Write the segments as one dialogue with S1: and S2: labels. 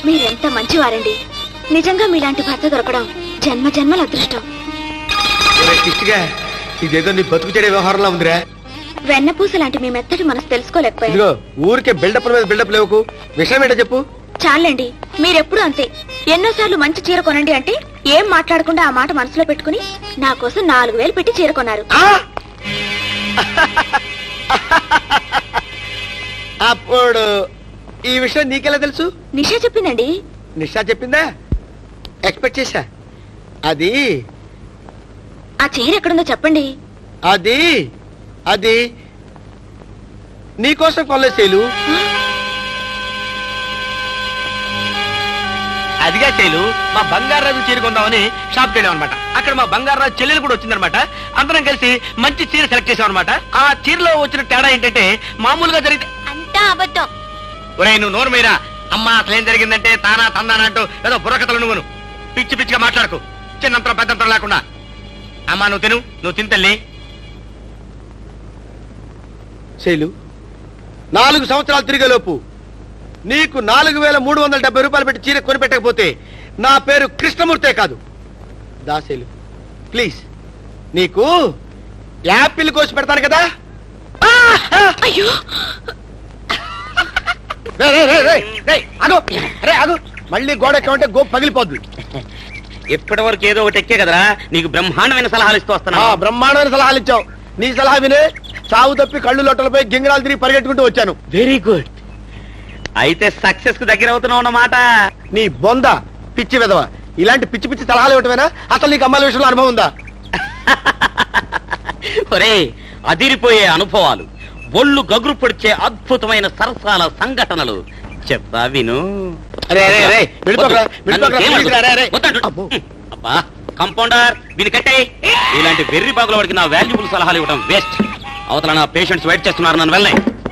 S1: మీరెంత మంచివారండి. నిజంగా మీలాంటి భర్త దొరకడం జన్మ జన్మల అదృష్టం.
S2: ఇదేదో నీ బతుకు చెడే వ్యవహారంలో ఉందిరా.
S1: వెన్నపూస లాంటి మీ మెత్తటి మనసు తెలుసుకోలేకపోయింది.
S2: ఊరికే బిల్డప్ మీద బిల్డప్ లేవుకు. విషయం ఏంటో చెప్పు.
S1: చాలండి, మీరెప్పుడు అంతే. ఎన్నోసార్లు మంచి చీర కొనండి అంటే ఏం మాట్లాడకుండా ఆ మాట మనసులో పెట్టుకుని నా కోసం 4000 పెట్టి చీర కొన్నారు.
S2: అప్పుడు ఈ విషయం నీకెలా తెలుసు?
S1: నిషా చెప్పిందండి.
S2: నిషా చెప్పిందా? ఎక్స్పెక్ట్ చేశా. అది
S1: ఆ చీర ఎక్కడుందో చెప్పండి.
S2: అది అది నీకోసం కొల్లేసేలు.
S3: అదిగా శైలు, మా బంగారాజు చీర కొందామని షాప్కి వెళ్ళాం అనమాట. అక్కడ మా బంగారాజు చెల్లెలు కూడా వచ్చిందనమాట. అందరం కలిసి మంచి చీర సెలెక్ట్ చేసాం అనమాట. ఆ చీరలో వచ్చిన తేడా ఏంటంటే మామూలుగా జరిగితే
S1: అంతా అబద్ధం.
S3: ఒరే నువ్వు నోరు మీరా. అమ్మా అసలేం జరిగిందంటే తానా తందానా అంటూ ఏదో బుర్రకథలు నువ్వును పిచ్చి పిచ్చిగా మాట్లాడకు. చిన్నంతరం పెద్దంతరం లేకుండా. అమ్మా నువ్వు తిను, నువ్వు తింతల్లి.
S2: శైలు, 4 సంవత్సరాలు తిరిగేలోపు నీకు 4370 రూపాయలు పెట్టి చీర కొనిపెట్టకపోతే నా పేరు కృష్ణమూర్తే కాదు. దాశైలు ప్లీజ్, నీకు యాపిల్ కోసి పెడతాను కదా.
S1: అయ్యో
S2: మళ్ళీ గోడ ఎక్కామంటే గోపు పగిలిపోద్ది.
S3: ఇప్పటి వరకు ఏదో ఒకటి ఎక్కే కదరా, నీకు బ్రహ్మాండమైన సలహాలు ఇస్తూ వస్తున్నా.
S2: బ్రహ్మాండమైన సలహాలు ఇచ్చావు. నీ సలహా వినే సాగు తప్పి కళ్ళు లొట్టలపై గింగిరాలు తిరిగి పరిగెట్టుకుంటూ వచ్చాను.
S3: Very good. అయితే సక్సెస్ కు దగ్గర అవుతున్నావు అన్నమాట.
S2: నీ బొంద పిచ్చి విధవ, ఇలాంటి పిచ్చి పిచ్చి సలహాలు ఇవ్వటమేనా? అసలు నీకు అమ్మాయిల విషయంలో అనుభవం ఉందా?
S3: ఒరే అదిరిపోయే అనుభవాలు, ఒళ్ళు గగురు పొడిచే అద్భుతమైన సరసాల సంఘటనలు చెప్తా విను. అబ్బా కంపౌండర్, వీని కట్టే. ఇలాంటి వెర్రి బాగుల వాడికి నా వాల్యుబుల్ సలహాలు ఇవ్వడం వేస్ట్. అవతల నా పేషెంట్స్ వెయిట్ చేస్తున్నారు, నన్ను వెళ్ళే.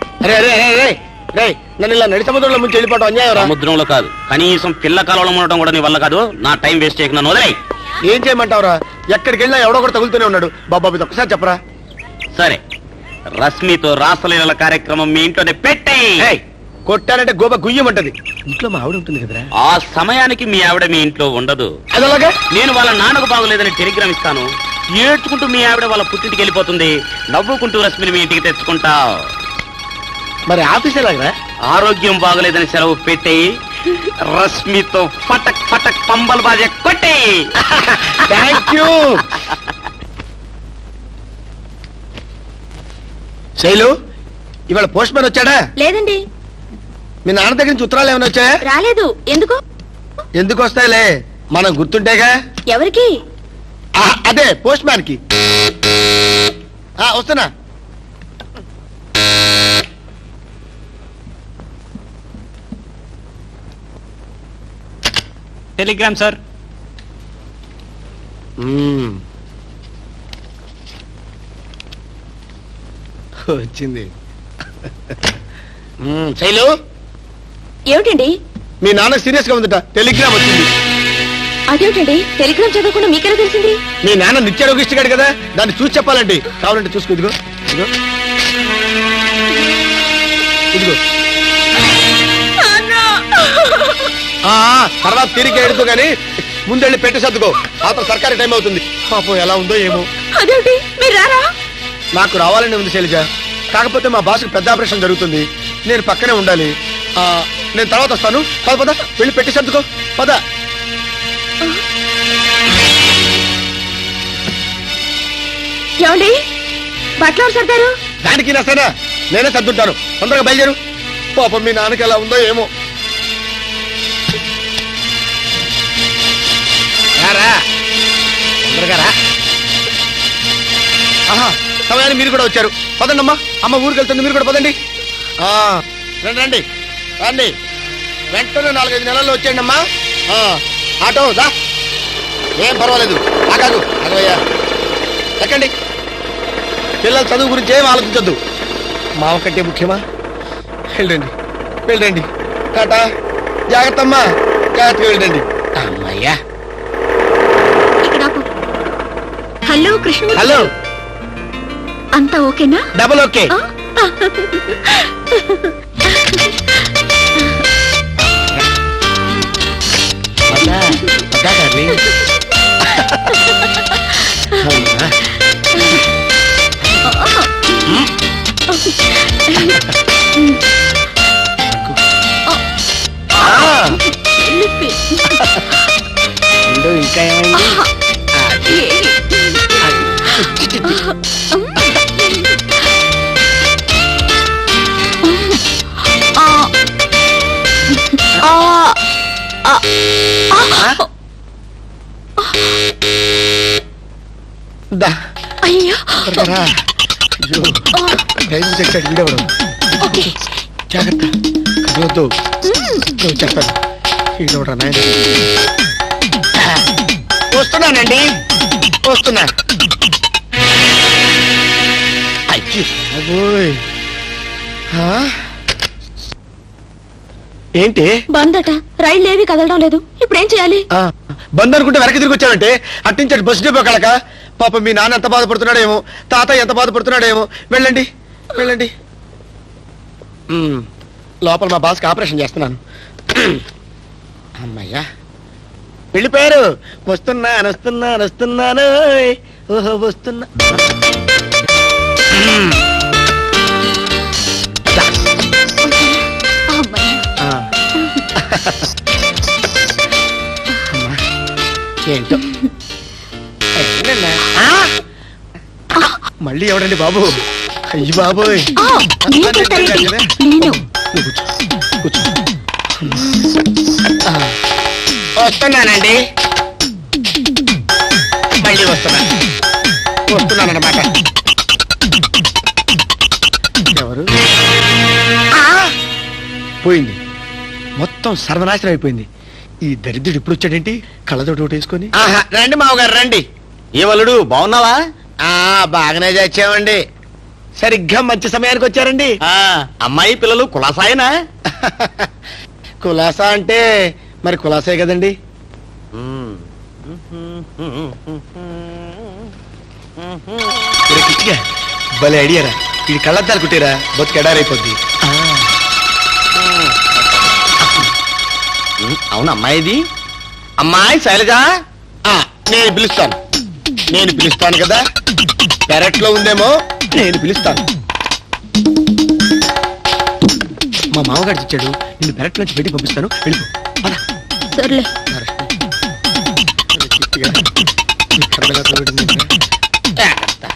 S2: నన్ను ఇలా నడి సముద్రంలో ముంచి వెళ్ళిపోవడం అన్యాయం.
S3: సముద్రంలో కాదు, కనీసం పిల్ల కాలంలో ఉండటం కూడా నీ వల్ల కాదు. నా టైం వేస్ట్ చేయకు, నన్ను వదిలే.
S2: ఏం చేయమంటావురా? ఎక్కడికి వెళ్ళినా ఎవడో కూడా తగులుతూనే ఉన్నాడు. బాబా ఇది ఒక్కసారి చెప్పరా.
S3: సరే, రశ్మితో రాసలీల కార్యక్రమం మీ ఇంట్లోనే పెట్టేయ్.
S2: కొట్టానంటే గోబ గుయ్యమంటది. ఇంట్లో మా ఆవిడ ఉంటుంది కదరా.
S3: ఆ సమయానికి మీ ఆవిడ మీ ఇంట్లో ఉండదు.
S2: అదలాగా
S3: నేను వాళ్ళ నాన్నకు బాగోలేదని టెలిగ్రామ్ ఇస్తాను. ఏడ్చుకుంటూ మీ ఆవిడ వాళ్ళ పుట్టింటికి వెళ్ళిపోతుంది. నవ్వుకుంటూ రశ్మిని మీ ఇంటికి తెచ్చుకుంటావు.
S2: మరి ఆఫీస్ ఎలాగరా?
S3: ఆరోగ్యం బాగోలేదని సెలవు పెట్టేయి. రశ్మితో ఫటక్ ఫటక్ పంబల్ బాజే కొట్టేయి.
S2: Thank you. శైలు, ఇవాళ పోస్ట్ మ్యాన్ వచ్చాడా?
S1: లేదండి.
S2: మీ నాన్న దగ్గర నుంచి ఉత్తరాలు ఏమైనా వచ్చాయా?
S1: రాలేదు. ఎందుకు?
S2: ఎందుకు వస్తాయిలే, మనం గుర్తుంటేగా.
S1: ఎవరికి?
S2: అదే పోస్ట్ మ్యాన్ కి. వస్తున్నా.
S3: Telegram sir.
S2: వచ్చింది. శైలు,
S1: ఏమిటండి?
S2: మీ నాన్న సీరియస్ గా ఉందట. టెలిగ్రామ్ వచ్చింది.
S1: అదేమిటండి, టెలిగ్రామ్ చదవకుండా మీకెలా తెలిసింది?
S2: మీ నాన్న నిత్యారోగిష్టిగాడు కదా, దాన్ని చూసి చెప్పాలండి. కావాలంటే చూసుకో. ఇదిగో ఇదిగో ఇదిగో. తర్వాత తిరిగి ఎడుతూ గానీ ముందెళ్ళి పెట్టి సర్దుకో. అతను సర్కారీ టైం అవుతుంది. పాపం ఎలా ఉందో ఏమో.
S1: అదేమిటి, మీరు రారా?
S2: నాకు రావాలని ఉంది శైలజ. కాకపోతే మా బాస్కి పెద్ద ఆపరేషన్ జరుగుతుంది. నేను పక్కనే ఉండాలి. నేను తర్వాత వస్తాను. పద పద, వెళ్ళి పెట్టి సర్దుకో. పద.
S1: ఏమండి, బట్టలు సర్దారు?
S2: దానికి నష్టనా? నేనే సర్దుంటాను. తొందరగా బయలుదేరు. పాపం మీ నాన్నకి ఎలా ఉందో ఏమో. తొందరగా రా. సమయాన్ని మీరు కూడా వచ్చారు. పదండి అమ్మా. అమ్మ ఊరికి వెళ్తుంది, మీరు కూడా పదండి. రండి రండి రండి. వెంటనే 4-5 నెలల్లో వచ్చేయండి అమ్మా. ఆటో దా, ఏం పర్వాలేదు. ఆగాదు అదయ్యా, ఎక్కండి. పిల్లల చదువు గురించి ఏం ఆలోచించొద్దు. మావ కంటే ముఖ్యమా? వెళ్ళండి వెళ్ళండి. టాటా. జాగ్రత్త అమ్మా, జాగ్రత్తగా వెళ్ళండి. అమ్మయ్యా.
S1: హలో కృష్ణ.
S2: హలో.
S1: అంతా ఓకేనా?
S2: Double okay. क्या कर रही ఇంకా ఏమైంది దా
S1: అయ్యో
S2: త్వరగా రా. అయ్యో టైం తెచ్చాడు వీడెవడు
S1: ఓకే
S2: జాగ్రత్త కదలొద్దు నువ్వు చెప్పాను వీడెవడా నాయన వస్తున్నానండి వస్తున్నా అయ్యో అబ్బోయ్. ఆ? ఏంటి
S1: బందట రైళ్ళు ఏవి కదలడం లేదు ఇప్పుడు ఏం చేయాలి
S2: ఆ, బంద్ అనుకుంటే వెనక్కి తిరిగి వచ్చావంటే అట్టించాడు బస్ డిపో కలక పాప మీ నాన్న ఎంత బాధపడుతున్నాడేమో తాతయ్య ఎంత బాధపడుతున్నాడేమో వెళ్ళండి వెళ్ళండి లోపల మా బాస్కి ఆపరేషన్ చేస్తున్నాను అమ్మయ్యా వెళ్ళిపోయారు వస్తున్నాను వస్తున్నాను వస్తున్నాను ఓహో వస్తున్నా
S1: అమ్మయ్య.
S2: ఆ. అమ్మా, ఏంటో ఏంటన్నా? ఆ? మళ్ళీ ఎవడండి బాబు అయ్యి బాబోయ్
S1: ఆ, నేను చెప్తానేంటి? నేను
S2: నువ్వు కూర్చో, కూర్చో. ఆ, వస్తున్నానండి మళ్ళీ వస్తున్నానన్నమాట ఎవరు పోయింది మొత్తం సర్వనాశనం అయిపోయింది ఈ దరిద్రుడు ఇప్పుడు వచ్చాడేంటి కళ్ళతోటి ఒకటి వేసుకొని రండి మామగారు రండి
S4: ఏవలుడు బాగున్నావా?
S2: బాగానే చచ్చామండి సరిగ్గా మంచి సమయానికి వచ్చారండి
S4: అమ్మాయి పిల్లలు కులాసాయనా?
S2: కులాసా అంటే మరి కులాసే కదండి ఒరే కిచ్చిగా, భలే ఐడియారా ఇది కళ్ళద్దాలు కుట్టిరా బతుకు ఎడారైపోద్ది
S4: అవును అమ్మాయిది. అమ్మాయి శైలజ,
S2: నేను పిలుస్తాను కదా పెరట్లో ఉందేమో నేను పిలుస్తాను మా మామగారు ఇచ్చాడు నిన్ను పెరట్లోంచి బయటికి పంపిస్తాను వెళ్ళిపో పద.
S1: సర్లే
S2: కిచ్చిగా, ఈ కర్రగా తోడుంది ఇంకా.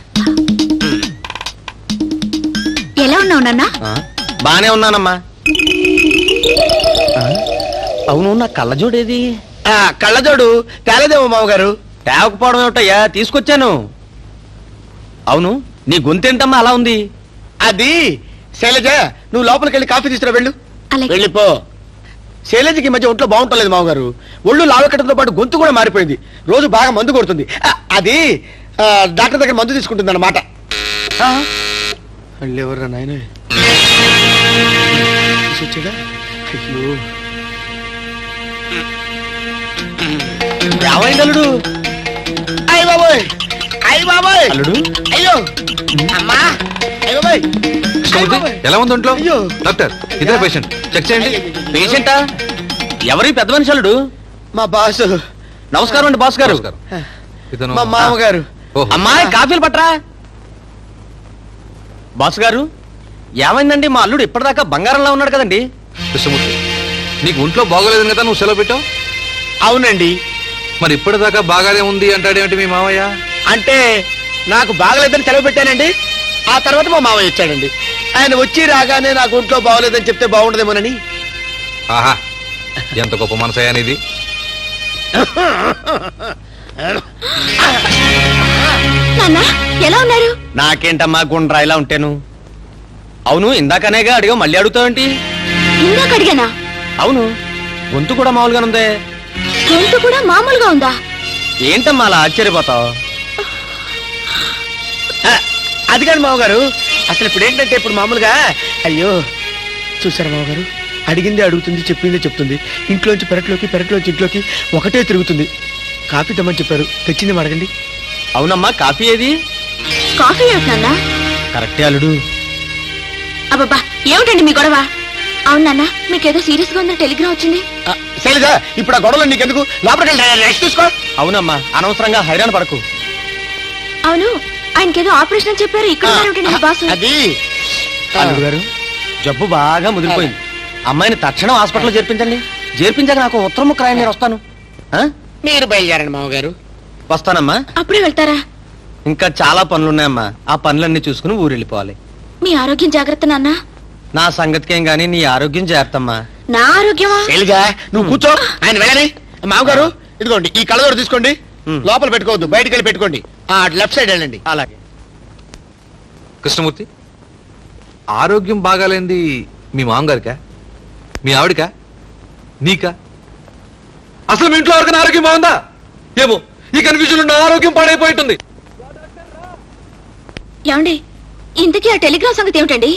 S1: ఎలా ఉన్నావు నాన్న
S4: బానే ఉన్నానమ్మా. అవును నా కళ్ళజోడేది?
S2: కళ్ళజోడు తేలేదేమో మామగారు
S4: తేవకపోవడం ఏమిటయ్యా, తీసుకొచ్చాను. అవును నీ గొంతేంటమ్మా అలా ఉంది?
S2: అది శైలజ నువ్వు లోపలికి వెళ్ళి కాఫీ తీసుకురా వెళ్ళు
S1: అలాగే.
S2: వెళ్ళిపో శైలజకి ఈ మధ్య ఒంట్లో బాగుంటలేదు మామగారు ఒళ్ళు లావెక్కడంతో పాటు గొంతు కూడా మారిపోయింది రోజు బాగా మందు కొడుతుంది అది డాక్టర్ దగ్గర మందు తీసుకుంటుంది అన్నమాట ఎవరు నాయన వచ్చాడా అయ్యో
S4: ఏమైంది అల్లుడు?
S2: అయ్య బాబోయ్ అయ్య బాబోయ్
S4: అల్లుడు
S2: అయ్యో అమ్మా అయ్య బాబోయ్
S5: ఎలా ఉంది ఒంట్లో?
S2: అయ్యో.
S5: డాక్టర్ ఇదే పేషెంట్ చెక్ చేయండి.
S4: పేషెంటా? ఎవరి పెద్ద మనిషి అల్లుడు?
S2: మా బాసు
S4: నమస్కారం అండి బాస్ గారు.
S5: నమస్కారం. ఇతను
S2: మా మామగారు
S5: ఓహో.
S4: అమ్మాయి కాఫీలు పట్రా. బాస్ గారు ఏమైందండి? మా అల్లుడు ఇప్పటిదాకా బంగారంలా ఉన్నాడు కదండి.
S5: కృష్ణమూర్తి నీకు ఒంట్లో బాగోలేదని కదా నువ్వు సెలవు పెట్టావు.
S2: అవునండి
S5: మరి ఇప్పటిదాకా బాగానే ఉంది అంటాడేమిటి మీ మావయ్య?
S2: అంటే నాకు బాగలేదని సెలవు పెట్టానండి ఆ తర్వాత మా మామయ్య వచ్చాడండి ఆయన వచ్చి రాగానే నాకు ఒంట్లో బాగోలేదని చెప్తే బాగుండదేమోనని
S5: ఆహా ఎంత గొప్ప మనసయ్యా నీది.
S1: నాన్న ఎలా ఉన్నారు
S4: నాకేంటమ్మా గుండ్రా ఇలా ఉంటాను. అవును ఇందాకనేగా అడిగా మళ్ళీ అడుగుతావేంటి?
S1: ఇందాక అడిగానా
S4: అవును గొంతు కూడా మామూలుగానే ఉందే.
S1: గొంతు కూడా మామూలుగా ఉందా
S4: ఏంటమ్మా అలా ఆశ్చర్యపోతావు?
S2: అది కాదు మామగారు అసలు ఇప్పుడు ఏంటంటే ఇప్పుడు మామూలుగా అయ్యో చూసారా మామగారు అడిగిందే అడుగుతుంది చెప్పిందే చెప్తుంది ఇంట్లోంచి పెరట్లోంచి ఇంట్లోకి ఒకటే తిరుగుతుంది కాఫీ తెమ్మని చెప్పారు తెచ్చింది అడగండి
S4: అవునమ్మా కాఫీ ఏది?
S1: కాఫీ ఏమిటి నాన్న
S4: కరెక్టే అల్లుడు.
S1: అబ్బబ్బా ఏమిటండి మీ గొడవ అవును నాన్న మీకేదో సీరియస్ గా ఉందని టెలిగ్రామ్ వచ్చింది
S2: శైలజ ఇప్పుడు ఆ గొడవలు నీకెందుకు లోపలికి వెళ్ళి రెస్ట్ తీసుకో.
S4: అవునమ్మా అనవసరంగా హైరాణ పడకు.
S1: అవును ఆయనకేదో ఆపరేషన్ అని చెప్పారు ఇక్కడ ఉన్నారేమిటండి మీ బాసు
S2: అది
S4: అల్లుడు గారు జబ్బు బాగా ముదిరిపోయింది. అమ్మాయిని తక్షణం హాస్పిటల్లో చేర్పించండి. చేర్పించాక నాకు ఉత్తరం ముక్క రాయండి, నేను వస్తాను. ఆ?
S2: మీరు బయలుదేరండి మామగారు.
S4: వస్తానమ్మా.
S1: అప్పుడే వెళ్తారా?
S4: ఇంకా చాలా పనులున్నాయమ్మా. ఆ పనులన్నీ చూసుకుని ఊరు వెళ్ళిపోవాలి.
S1: మీ ఆరోగ్యం జాగ్రత్త నాన్న.
S4: నా సంగతికేం గానీ నీ ఆరోగ్యం జాగ్రత్తమ్మా.
S1: నా ఆరోగ్యమా?
S2: శైలజ నువ్వు కూర్చో, ఆయన వెళ్ళని. మామగారు ఇదిగోండి ఈ కళ్ళజోడు తీసుకోండి. లోపల పెట్టుకోవద్దు, బయటికి వెళ్ళి పెట్టుకోండి. లెఫ్ట్ సైడ్ వెళ్ళండి.
S4: అలాగే.
S5: కృష్ణమూర్తి, ఆరోగ్యం బాగాలేంది మీ మామగారికా, మీ ఆవిడకా, నీకా? అసలు మీ ఇంట్లో ఎవరికైనా ఆరోగ్యం బాగుందా? ఏమో ఈ కన్ఫ్యూజన్ నా ఆరోగ్యం పాడైపోయింటుంది.
S1: ఏమండి ఇంతకీ ఆ టెలిగ్రామ్ సంగతి ఏమిటండి?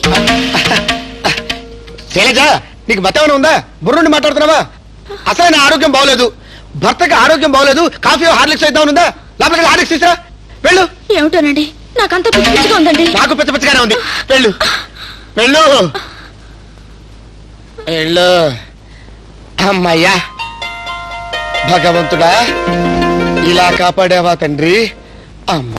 S2: శైలజ నీకు మతేమైనా ఉందా? బుర్రుండి మాట్లాడుతున్నావా? అసలు నా ఆరోగ్యం బాగోలేదు, భర్తకి ఆరోగ్యం బాగోలేదు. కాఫీ హార్లిక్స్ ఇద్దాం ఉందా? లోపలికి హార్లిక్స్ తీసురా, వెళ్ళు.
S1: ఏమిటోనండి నాకంతా పిచ్చి పిచ్చిగా ఉందండి.
S2: నాకు పిచ్చ పిచ్చగానే ఉంది, వెళ్ళు వెళ్ళు వెళ్ళు. అమ్మయ్యా భగవంతుడా, ఇలా కాపాడావా తండ్రి. అమ్మ